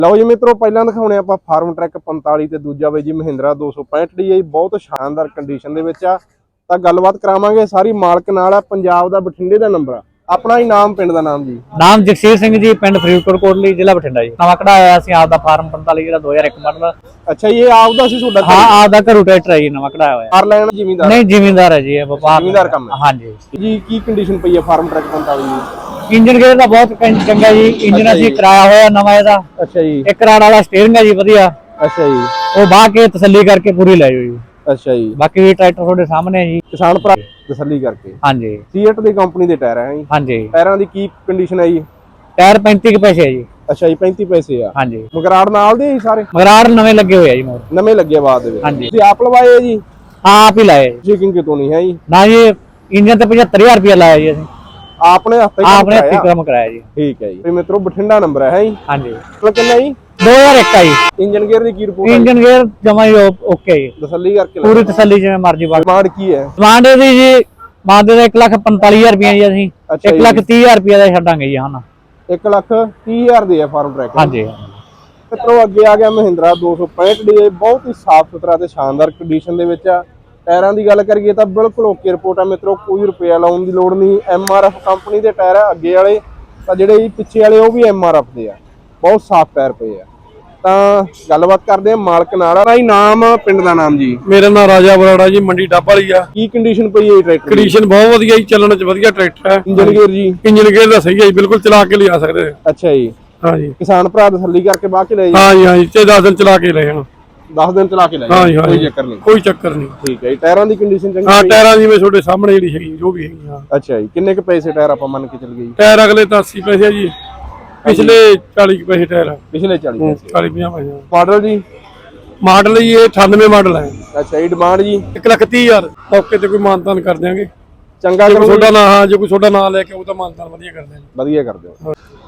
ਲਓ ਜੀ ਮਿੱਤਰੋ, ਪਹਿਲਾਂ ਦਿਖਾਉਣੇ ਆਪਾਂ ਫਾਰਮ ਟਰੈਕ 45 ਤੇ ਦੂਜਾ ਬਈ ਜੀ ਮਹਿੰਦਰਾ 265 DI ਬਹੁਤ ਸ਼ਾਨਦਾਰ ਕੰਡੀਸ਼ਨ ਦੇ ਵਿੱਚ ਆ। ਤਾਂ ਗੱਲਬਾਤ ਕਰਾਵਾਂਗੇ ਸਾਰੀ ਮਾਲਕ ਨਾਲ। ਆ ਪੰਜਾਬ ਦਾ ਬਠਿੰਡੇ ਦਾ ਨੰਬਰ ਆ। ਆਪਣਾ ਹੀ ਨਾਮ, ਪਿੰਡ ਦਾ ਨਾਮ ਜੀ? ਨਾਮ ਜਗਸੀਰ ਸਿੰਘ ਜੀ, ਪਿੰਡ ਫਰੀਦਕੋਟ ਕੋਟਲੀ, ਜ਼ਿਲ੍ਹਾ ਬਠਿੰਡਾ ਜੀ। ਨਵਾਂ ਕਢਾਇਆ ਅਸੀਂ ਆਪ ਦਾ ਫਾਰਮ 45 ਜਿਹੜਾ 2001 ਮਾਡਲ। ਅੱਛਾ, ਇਹ ਆਪ ਦਾ ਸੀ ਤੁਹਾਡਾ? ਹਾਂ, ਆਪ ਦਾ ਘਰੋਂ ਟਰੈਕਟਰ ਹੈ ਜੀ, ਨਵਾਂ ਕਢਾਇਆ ਹੋਇਆ। ਫਾਰ ਲੈਣ ਜ਼ਿਮੀਂਦਾਰ? ਨਹੀਂ, ਜ਼ਿਮੀਂਦਾਰ ਹੈ ਜੀ, ਇਹ ਵਪਾਰ ਜ਼ਿਮੀਂਦਾਰ ਕੰਮ ਹੈ। ਹਾਂਜੀ ਜੀ। ਕੀ ਕੰਡੀਸ਼ਨ ਪਈ ਹੈ ਫਾਰਮ ਟਰੈਕ 45 ਦੀ? ਇੰਜਨ ਗੇਅਰ ਦਾ ਬਹੁਤ ਚੰਗਾ ਜੀ। ਇੰਜਨ ਅਸੀਂ ਕਰਾਇਆ ਹੋਇਆ ਨਵਾਂ ਇਹਦਾ। ਅੱਛਾ ਜੀ। ਇੱਕ ਰਾਡ ਵਾਲਾ ਸਟੀਅਰਿੰਗ ਹੈ ਜੀ, ਵਧੀਆ। ਅੱਛਾ ਜੀ। ਉਹ ਬਾਹ ਕੇ ਤਸੱਲੀ ਕਰਕੇ ਪੂਰੀ ਲੈ ਜਾਓ ਜੀ। ਅੱਛਾ ਜੀ। ਬਾਕੀ ਵੀ ਟਰੈਕਟਰ ਤੁਹਾਡੇ ਸਾਹਮਣੇ ਹੈ ਜੀ, ਕਿਸਾਨ ਭਰਾ ਤਸੱਲੀ ਕਰਕੇ। ਹਾਂਜੀ। ਸੀਟ ਦੀ ਕੰਪਨੀ ਦੇ ਟਾਇਰ ਹੈ ਜੀ? ਹਾਂਜੀ। ਟਾਇਰਾਂ ਦੀ ਕੀ ਕੰਡੀਸ਼ਨ ਹੈ ਜੀ? ਟਾਇਰ 35 ਪੈਸੇ ਹੈ ਜੀ। ਅੱਛਾ ਜੀ, 35 ਪੈਸੇ ਆ। ਹਾਂਜੀ। ਮਗਰਾੜ ਨਾਲ ਦੇ ਸਾਰੇ? ਮਗਰਾੜ ਨਵੇਂ ਲੱਗੇ ਹੋਏ ਆ ਜੀ, ਮੋਰ ਨਵੇਂ ਲੱਗੇ ਬਾਅਦ ਦੇ ਵਿੱਚ। ਹਾਂਜੀ। ਤੁਸੀਂ ਆਪ ਲਵਾਏ ਜੀ? ਹਾਂ, ਆਪ ਹੀ ਲਾਏ ਜੀ। ਚੈਕਿੰਗ ਕਿਤੋਂ ਨਹੀਂ ਹੈ ਜੀ? ਨਾ ਜੀ, ਇੰਜਨ ਤੇ 75000 ਰੁਪਇਆ ਲਾਇਆ ਜੀ ਅਸੀਂ। ਆਪਣੇ ਹੱਥ ਆਪਣੇ ਹੱਥੀਂ ਕੰਮ ਕਰਾਇਆ ਜੀ। ਠੀਕ ਹੈ ਜੀ। ਤੇ ਮਿੱਤਰੋ ਬਠਿੰਡਾ ਨੰਬਰ ਹੈ ਜੀ? ਹਾਂਜੀ। ਕਿੰਨਾ ਜੀ? 2001 ਆ ਜੀ। ਇੰਜਨ ਗੇਅਰ ਦੀ ਕੀ ਰਿਪੋਰਟ ਹੈ? ਇੰਜਨ ਗੇਅਰ ਜਮਾ ਹੀ ਓਕੇ ਜੀ, ਤਸੱਲੀ ਕਰਕੇ ਪੂਰੀ ਤਸੱਲੀ ਜਿਵੇਂ ਮਰਜ਼ੀ ਬਾਕੀ। ਡਿਮਾਂਡ ਕੀ ਹੈ? ਡਿਮਾਂਡ ਦੀ ਜੀ ਮੰਗਦੇ ਦਾ 1,45,000 ਰੁਪਇਆ ਜੀ ਅਸੀਂ। 1,30,000 ਰੁਪਇਆ ਦਾ ਛੱਡਾਂਗੇ ਜੀ ਹੁਣ। 1,30,000 ਦੇ ਆ ਫਾਰਮ ਟਰੈਕ। ਹਾਂਜੀ। ਮਿੱਤਰੋ ਅੱਗੇ ਆ ਗਿਆ ਮਹਿੰਦਰਾ 265 DI, ਬਹੁਤ ਹੀ ਸਾਫ਼ ਸੁਥਰਾ ਤੇ ਸ਼ਾਨਦਾਰ ਕੰਡੀਸ਼ਨ ਦੇ ਵਿੱਚ ਆ। ਟਾਇਰਾਂ ਦੀ ਗੱਲ ਕਰੀਏ ਤਾਂ ਬਿਲਕੁਲ ਓਕੇ ਰਿਪੋਰਟ ਆ ਮਿੱਤਰੋ, ਕੋਈ ਰੁਪਇਆ ਲਾਉਣ ਦੀ ਲੋੜ ਨਹੀਂ। MRF ਕੰਪਨੀ ਦੇ ਟਾਇਰ ਆ ਅੱਗੇ ਵਾਲੇ, ਤਾਂ ਜਿਹੜੇ ਪਿੱਛੇ ਵਾਲੇ ਉਹ ਵੀ MRF ਦੇ ਆ। ਬਹੁਤ ਸਾਫ਼ ਟਾਇਰ ਪਏ ਆ। ਤਾਂ ਗੱਲਬਾਤ ਕਰਦੇ ਆ ਮਾਲਕ ਨਾਲ। ਭਾਈ ਨਾਮ, ਪਿੰਡ ਦਾ ਨਾਮ ਜੀ? ਮੇਰਾ ਨਾਮ ਰਾਜਾ ਬਰਾੜਾ ਜੀ, ਮੰਡੀ ਡੱਬ ਵਾਲੀ ਆ। ਕੀ ਕੰਡੀਸ਼ਨ ਪਈ ਹੈ ਟਰੈਕਟਰ ਦੀ? ਕੰਡੀਸ਼ਨ ਬਹੁਤ ਵਧੀਆ ਜੀ, ਚੱਲਣ ਚ ਵਧੀਆ ਟਰੈਕਟਰ ਹੈ। ਇੰਜਨ ਗੇਅਰ ਜੀ? ਇੰਜਨ ਗੇਅਰ ਦਾ ਸਹੀ ਹੈ ਜੀ, ਬਿਲਕੁਲ ਚਲਾ ਕੇ ਲਿਆ ਸਕਦੇ। ਅੱਛਾ ਜੀ। ਹਾਂ ਜੀ। ਕਿਸਾਨ ਭਰਾ ਤਸੱਲੀ ਕਰਕੇ ਬਾਅਦ ਚ ਲੈ ਜੀ? ਹਾਂ ਜੀ, ਹਾਂ ਜੀ, 10 ਦਿਨ ਚਲਾ ਕੇ ਲਏ ਹਾਂ। 10 ਦਿਨ ਚਲਾ ਕੇ ਲੈ ਹਾਂ ਜੀ, ਹਾਂ ਕੋਈ ਜੀ, ਚੱਕਰ ਨਹੀਂ। ਕੋਈ ਚੱਕਰ ਨਹੀਂ। ਠੀਕ ਹੈ ਜੀ। ਟਾਇਰਾਂ ਦੀ ਕੰਡੀਸ਼ਨ ਚੰਗੀ? ਹਾਂ, ਟਾਇਰਾਂ ਜਿਵੇਂ ਤੁਹਾਡੇ ਸਾਹਮਣੇ ਜਿਹੜੀ ਹੈਗੀ ਜੋ ਵੀ ਹੈਗੀ। ਹਾਂ। ਅੱਛਾ ਜੀ। ਕਿੰਨੇ ਕੁ ਪੈਸੇ ਟਾਇਰ ਆਪਾਂ ਮੰਨ ਕੇ ਚੱਲ ਗਏ ਜੀ? ਟਾਇਰ ਅਗਲੇ ਤਾਂ 80 ਪੈਸੇ ਆ ਜੀ, ਪਿਛਲੇ 40 ਪੈਸੇ ਟਾਇਰ ਆ। ਪਿਛਲੇ 40 ਪੈਸੇ। 40-50 ਪੈਸੇ। ਮਾਡਲ ਜੀ? ਮਾਡਲ ਜੀ ਇਹ 98 ਮਾਡਲ ਹੈ। ਅੱਛਾ ਜੀ। ਡਿਮਾਂਡ ਜੀ? 1,30,000। ਮੌਕੇ ਤੇ ਕੋਈ ਮਾਨਤਾਨ ਕਰ ਦਿਆਂਗੇ। ਚੰਗਾ ਜੇ ਕਰੋ ਤੁਹਾਡਾ ਨਾਂ, ਹਾਂ, ਜੇ ਕੋਈ ਤੁਹਾਡਾ ਨਾਂ ਲੈ ਕੇ ਉਹ ਤਾਂ ਮਾਨਤਾਨ ਵਧੀਆ ਕਰ ਦਿਆਂਗੇ। ਵਧੀਆ ਕਰ ਦਿਓ।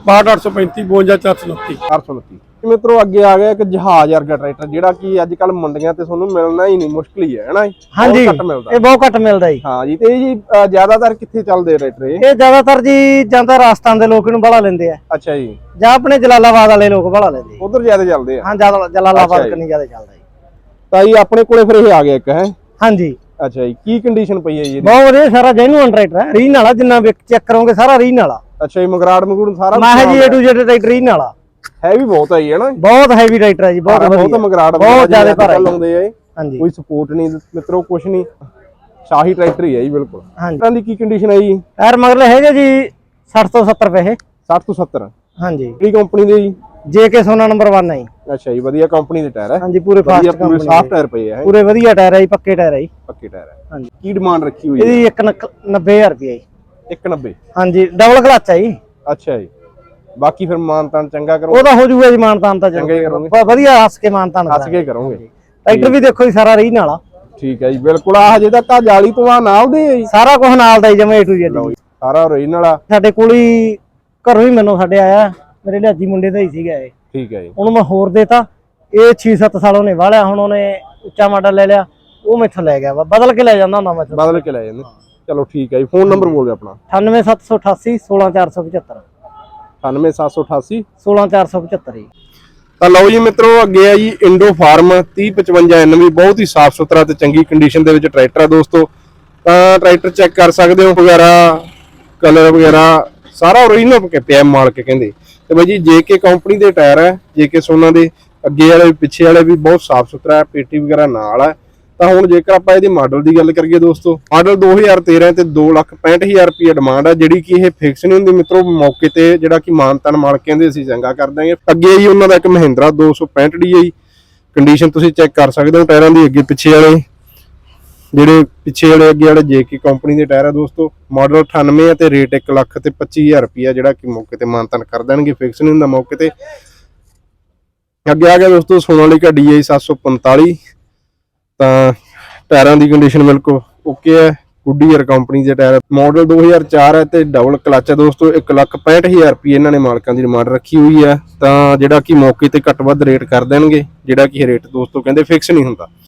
62835 52429। 829। ਮਿੱਤਰੋ ਅੱਗੇ ਆ ਗਿਆ ਇੱਕ ਜਹਾਜ਼ ਵਰਗਾ ਟਰੈਕਟਰ, ਜਿਹੜਾ ਕਿ ਅੱਜ ਕੱਲ ਮੰਡੀਆਂ ਤੇ ਤੁਹਾਨੂੰ ਮਿਲਣਾ ਹੀ ਨਹੀਂ, ਮੁਸ਼ਕਿਲ ਹੀ ਹੈ ਨਾ? ਹਾਂਜੀ, ਘੱਟ ਮਿਲਦਾ। ਇਹ ਬਹੁਤ ਘੱਟ ਮਿਲਦਾ ਜੀ। ਹਾਂ ਜੀ। ਤੇ ਜੀ ਜ਼ਿਆਦਾਤਰ ਕਿੱਥੇ ਚੱਲਦੇ ਟਰੈਕਟਰ ਇਹ? ਇਹ ਜ਼ਿਆਦਾਤਰ ਜੀ ਜਾਂਦਾ ਰਾਜਸਥਾਨ ਦੇ ਲੋਕ ਇਹਨੂੰ ਬੜਾ ਲੈਂਦੇ ਆ, ਅੱਛਾ ਜੀ। ਜਾਂ ਆਪਣੇ ਜਲਾਲਾਬਾਦ ਵਾਲੇ ਲੋਕ ਬੜਾ ਲੈਂਦੇ ਆ। ਉਧਰ ਜ਼ਿਆਦਾ ਚੱਲਦੇ ਆ? ਹਾਂ, ਜਲਾਲਾਬਾਦ ਕਨੀ ਜ਼ਿਆਦਾ ਚੱਲਦਾ ਜੀ। ਤਾਂ ਜੀ ਆਪਣੇ ਕੋਲੇ ਫਿਰ ਇਹ ਆ ਗਿਆ ਇੱਕ ਹੈ? ਹਾਂਜੀ। ਅੱਛਾ ਜੀ। ਕੀ ਕੰਡੀਸ਼ਨ ਪਈ ਹੈ ਜੀ ਇਹਦੀ? ਬਹੁਤ ਵਧੀਆ, ਸਾਰਾ ਜੈਨੂਅਨ ਟਰੈਕਟਰ ਹੈ, ਰੀਨ ਵਾਲਾ। ਜਿੰਨਾ ਵੀ ਚੈੱਕ ਕਰੋਗੇ ਸਾਰਾ ਰੀਨ ਵਾਲਾ। ਅੱਛਾ ਜੀ। ਮਗਰਾੜ ਮਗੂੜ ਸਾਰਾ ਮੈਂ ਜੀ A to Z ਟਰੈਕਟਰ ਰੀਨ ਵਾਲਾ। ਹੈ ਵੀ ਬਹੁਤ ਹੈ ਜੀ, ਹੈ ਨਾ? ਬਹੁਤ ਹੈਵੀ ਟਰੈਕਟਰ ਹੈ ਜੀ, ਬਹੁਤ ਵਧੀਆ। ਮਗਰਾੜ ਬਹੁਤ ਜ਼ਿਆਦਾ ਭਾਰਾ ਲਾਉਂਦੇ ਆ। ਹਾਂਜੀ। ਕੋਈ ਸਪੋਰਟ ਨਹੀਂ ਮਿੱਤਰੋ, ਕੁਛ ਨਹੀਂ, ਸ਼ਾਹੀ ਟਰੈਕਟਰ ਹੀ ਹੈ ਜੀ ਬਿਲਕੁਲ। ਹਾਂਜੀ। ਟਾਇਰਾਂ ਦੀ ਕੀ ਕੰਡੀਸ਼ਨ ਹੈ ਜੀ? ਟਾਇਰ ਮਗਰਲੇ ਹੈਗੇ ਜੀ 60 ਤੋਂ 70 ਪੈਸੇ। 60 ਤੋਂ 70? ਹਾਂਜੀ। ਕਿਹੜੀ ਕੰਪਨੀ ਦੇ ਜੀ? JK ਸੋਨਾ ਨੰਬਰ 1 ਹੈ ਜੀ। ਅੱਛਾ ਜੀ। ਵਧੀਆ ਕੰਪਨੀ ਦੇ ਟਾਇਰ ਹੈ? ਹਾਂਜੀ, ਪੂਰੇ ਫਾਸਟ ਪੂਰੇ ਕੰਪਨੀ ਸਾਫ਼ ਟਾਇਰ ਪਏ ਆ? ਪੂਰੇ ਵਧੀਆ ਟਾਇਰ ਹੈ ਜੀ, ਪੱਕੇ ਟਾਇਰ ਹੈ ਜੀ। ਪੱਕੇ ਟਾਇਰ ਹੈ। ਹਾਂਜੀ। ਕੀ ਡਿਮਾਂਡ ਰੱਖੀ ਹੋਈ ਹੈ ਇਹਦੀ 1,90,000 ਰੁਪਏ ਜੀ। 1,90? ਹਾਂਜੀ, ਡਬਲ ਕਲਚ ਹੈ ਜੀ। ਅੱਛਾ ਜੀ। ਬਾਕੀ ਫਿਰ ਮਾਨਤਾਨ ਚੰਗਾ ਕਰੋ? ਉਹਦਾ ਹੋ ਜਾਊਗਾ ਜੀ ਮਾਨਤਾਨ ਤਾਂ। ਚੰਗਾ ਹੀ ਕਰੋਗੇ? ਵਧੀਆ ਹੱਸ ਕੇ ਮਾਨਤਾਨ ਹੱਸ ਕੇ ਕਰੋਗੇ? ਟਰੈਕਟਰ ਵੀ ਦੇਖੋ ਜੀ, ਸਾਰਾ ਰੀਨ ਵਾਲਾ। ਠੀਕ ਹੈ ਜੀ। ਬਿਲਕੁਲ। ਆ ਹਜੇ ਤੱਕ ਆ ਜਾਲੀ ਤੋਂ ਆ ਨਾਲ ਦੇ ਆ ਜੀ? ਸਾਰਾ ਕੁਝ ਨਾਲ ਦਾ ਜੀ, ਜਮਾ A to Z। ਸਾਰਾ ਓਰੀਜਨਲ ਵਾਲਾ? ਸਾਡੇ ਕੋਲ ਹੀ ਘਰੋਂ ਹੀ ਮੈਨੂੰ ਸਾਡੇ ਆਇਆ, ਮੇਰੇ ਲਿਆਜੀ ਮੁੰਡੇ ਦਾ ਹੀ ਸੀਗਾ ਇਹ। ਠੀਕ ਹੈ ਜੀ। ਉਹਨੂੰ ਮੈਂ ਹੋਰ ਦੇਤਾ। ਇਹ 6-7 ਸਾਲ ਉਹਨੇ ਵਾਲਿਆ, ਹੁਣ ਉਹਨੇ ਉੱਚਾ ਮਾਡਲ ਲੈ ਲਿਆ, ਉਹ ਮੈਥੋਂ ਲੈ ਗਿਆ ਵਾ। ਬਦਲ ਕੇ ਲੈ ਜਾਂਦਾ ਹੁੰਦਾ ਮੈਂ। ਬਦਲ ਕੇ ਲੈ ਜਾਂਦੇ? ਚਲੋ ਠੀਕ ਹੈ ਜੀ। ਫੋਨ ਨੰਬਰ ਬੋਲ ਦਿਓ ਆਪਣਾ। 98788 16475। 98788 16475 ਜੀ। ਤਾਂ ਲਓ ਜੀ ਮਿੱਤਰੋ, ਅੱਗੇ ਆ ਜੀ ਇੰਡੋ ਫਾਰਮ 3055 NV, ਬਹੁਤ ਹੀ ਸਾਫ਼ ਸੁਥਰਾ ਤੇ ਚੰਗੀ ਕੰਡੀਸ਼ਨ ਦੇ ਵਿੱਚ ਟਰੈਕਟਰ ਆ ਦੋਸਤੋ। ਤਾਂ ਟਰੈਕਟਰ ਚੈੱਕ ਕਰ ਸਕਦੇ ਹੋ, ਵਗੈਰਾ ਕਲਰ ਵਗੈਰਾ ਸਾਰਾ ਓਰੀਜਨਲ ਪਿਆ, ਮਾਲਕ ਕਹਿੰਦੇ। ਤੇ ਬਾਈ ਜੀ JK ਕੰਪਨੀ ਦੇ ਟਾਇਰ ਹੈ, JK ਸੋਨਾ ਦੇ। ਅੱਗੇ ਵਾਲੇ ਪਿੱਛੇ ਵਾਲੇ ਵੀ ਬਹੁਤ ਸਾਫ਼ ਸੁਥਰਾ ਹੈ, ਪੇਟੀ ਵਗੈਰਾ ਨਾਲ ਹੈ। ਤਾਂ ਹੁਣ ਜੇਕਰ ਆਪਾਂ ਇਹਦੇ ਮਾਡਲ ਦੀ ਗੱਲ ਕਰੀਏ ਦੋਸਤੋ, ਮਾਡਲ 2013 ਤੇ 2,65,000 ਰੁਪਏ ਡਿਮਾਂਡ ਆ, ਜਿਹੜੀ ਕਿ ਇਹ ਫਿਕਸ ਨਹੀਂ ਹੁੰਦੀ ਮਿੱਤਰੋ। ਮੌਕੇ ਤੇ ਜਿਹੜਾ ਕਿ ਮਾਨਤਾਨ ਮਾਲਕ ਕਹਿੰਦੇ ਅਸੀਂ ਚੰਗਾ ਕਰ ਦਾਂਗੇ। ਅੱਗੇ ਜੀ ਉਹਨਾਂ ਦਾ ਇੱਕ ਮਹਿੰਦਰਾ 265 DI, ਕੰਡੀਸ਼ਨ ਤੁਸੀਂ ਚੈੱਕ ਕਰ ਸਕਦੇ ਹੋ ਟਾਇਰਾਂ ਦੀ। ਅੱਗੇ ਪਿੱਛੇ ਵਾਲੇ ਜਿਹੜੇ ਪਿੱਛੇ ਵਾਲੇ ਅੱਗੇ ਵਾਲੇ JK ਕੰਪਨੀ ਦੇ ਟਾਇਰ ਆ ਦੋਸਤੋ। ਮਾਡਲ 98 ਹੈ ਤੇ ਰੇਟ 1,25,000 ਰੁਪਏ, ਜਿਹੜਾ ਕਿ ਮੌਕੇ ਤੇ ਮਾਨਤਾਨ ਕਰ ਦੇਣਗੇ, ਫਿਕਸ ਨਹੀਂ ਹੁੰਦਾ ਮੌਕੇ ਤੇ। ਅੱਗੇ ਆ ਗਿਆ ਦੋਸਤੋ ਸੋਨਾਲੀਕਾ DI 745। ਤਾਂ ਟਾਇਰਾਂ ਦੀ ਕੰਡੀਸ਼ਨ ਬਿਲਕੁਲ ਓਕੇ ਹੈ, ਗੁੱਡੀਅਰ ਕੰਪਨੀ ਦੇ ਟਾਇਰ। ਮਾਡਲ 2004 ਹੈ ਤੇ ਡਬਲ ਕਲਚ ਹੈ ਦੋਸਤੋ। 1,65,000 ਰੁਪਏ ਇਹਨਾਂ ਨੇ ਮਾਲਕਾਂ ਦੀ ਡਿਮਾਂਡ ਰੱਖੀ ਹੋਈ ਹੈ। ਤਾਂ ਜਿਹੜਾ ਕਿ ਮੌਕੇ ਤੇ ਘੱਟ ਵੱਧ ਰੇਟ ਕਰ ਦੇਣਗੇ, ਜਿਹੜਾ ਕਿ ਰੇਟ ਦੋਸਤੋ ਕਹਿੰਦੇ ਫਿਕਸ ਨਹੀਂ ਹੁੰਦਾ।